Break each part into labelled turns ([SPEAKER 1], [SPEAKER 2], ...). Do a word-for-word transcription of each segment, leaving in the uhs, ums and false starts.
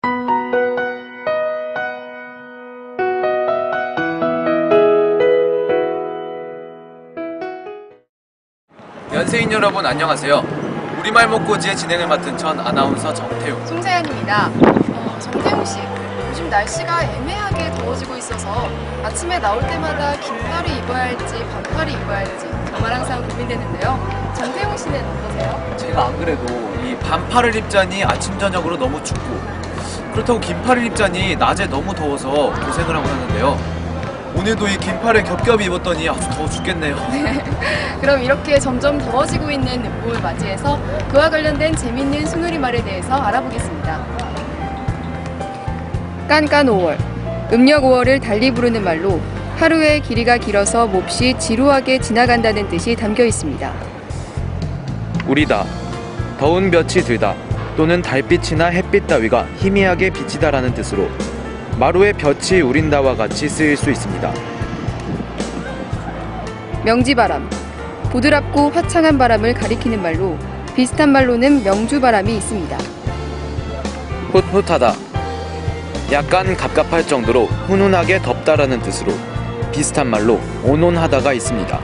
[SPEAKER 1] 연세인 여러분 안녕하세요. 우리말 먹고지의 진행을 맡은 전 아나운서 정태웅,
[SPEAKER 2] 송세연입니다. 어, 정태웅 씨, 요즘 날씨가 애매하게 더워지고 있어서 아침에 나올 때마다 긴팔을 입어야 할지 반팔을 입어야 할지 정말 항상 고민되는데요. 정태웅 씨는 어떠세요?
[SPEAKER 1] 제가 안 그래도 이 반팔을 입자니 아침 저녁으로 너무 춥고, 그렇다고 긴팔을 입자니 낮에 너무 더워서 고생을 하고 사는데요. 오늘도 이 긴팔을 겹겹이 입었더니 아주 더워 죽겠네요.
[SPEAKER 2] 그럼 이렇게 점점 더워지고 있는 늦봄을 맞이해서 그와 관련된 재미있는 순우리말에 대해서 알아보겠습니다. 깐깐 오월, 음력 오월을 달리 부르는 말로 하루의 길이가 길어서 몹시 지루하게 지나간다는 뜻이 담겨 있습니다.
[SPEAKER 3] 우리다, 더운 볕이 들다 또는 달빛이나 햇빛 따위가 희미하게 비치다라는 뜻으로 마루의 볕이 우린다와 같이 쓰일 수 있습니다.
[SPEAKER 2] 명지바람, 보드랍고 화창한 바람을 가리키는 말로 비슷한 말로는 명주바람이 있습니다.
[SPEAKER 3] 훗훗하다, 약간 갑갑할 정도로 훈훈하게 덥다라는 뜻으로 비슷한 말로 온온하다가 있습니다.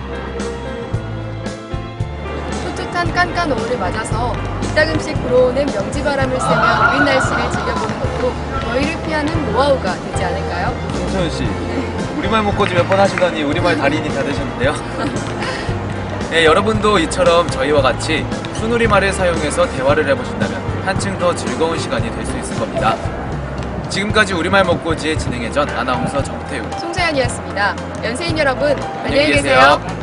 [SPEAKER 2] 풋풋한 깐깐 오월을 맞아서 이따금씩 불어오는 명지바람을 쐬며 우린 날씨를 즐겨보는 것도 더위를 피하는 노하우가 되지 않을까요?
[SPEAKER 1] 송소연 씨, 우리말 먹고지 몇 번 하시더니 우리말 달인이 다 되셨는데요. 네, 여러분도 이처럼 저희와 같이 순우리말을 사용해서 대화를 해보신다면 한층 더 즐거운 시간이 될 수 있을 겁니다. 지금까지 우리말 먹고지의 진행의 전 아나운서 정태웅,
[SPEAKER 2] 송세연이었습니다. 연세인 여러분,
[SPEAKER 1] 안녕히 계세요.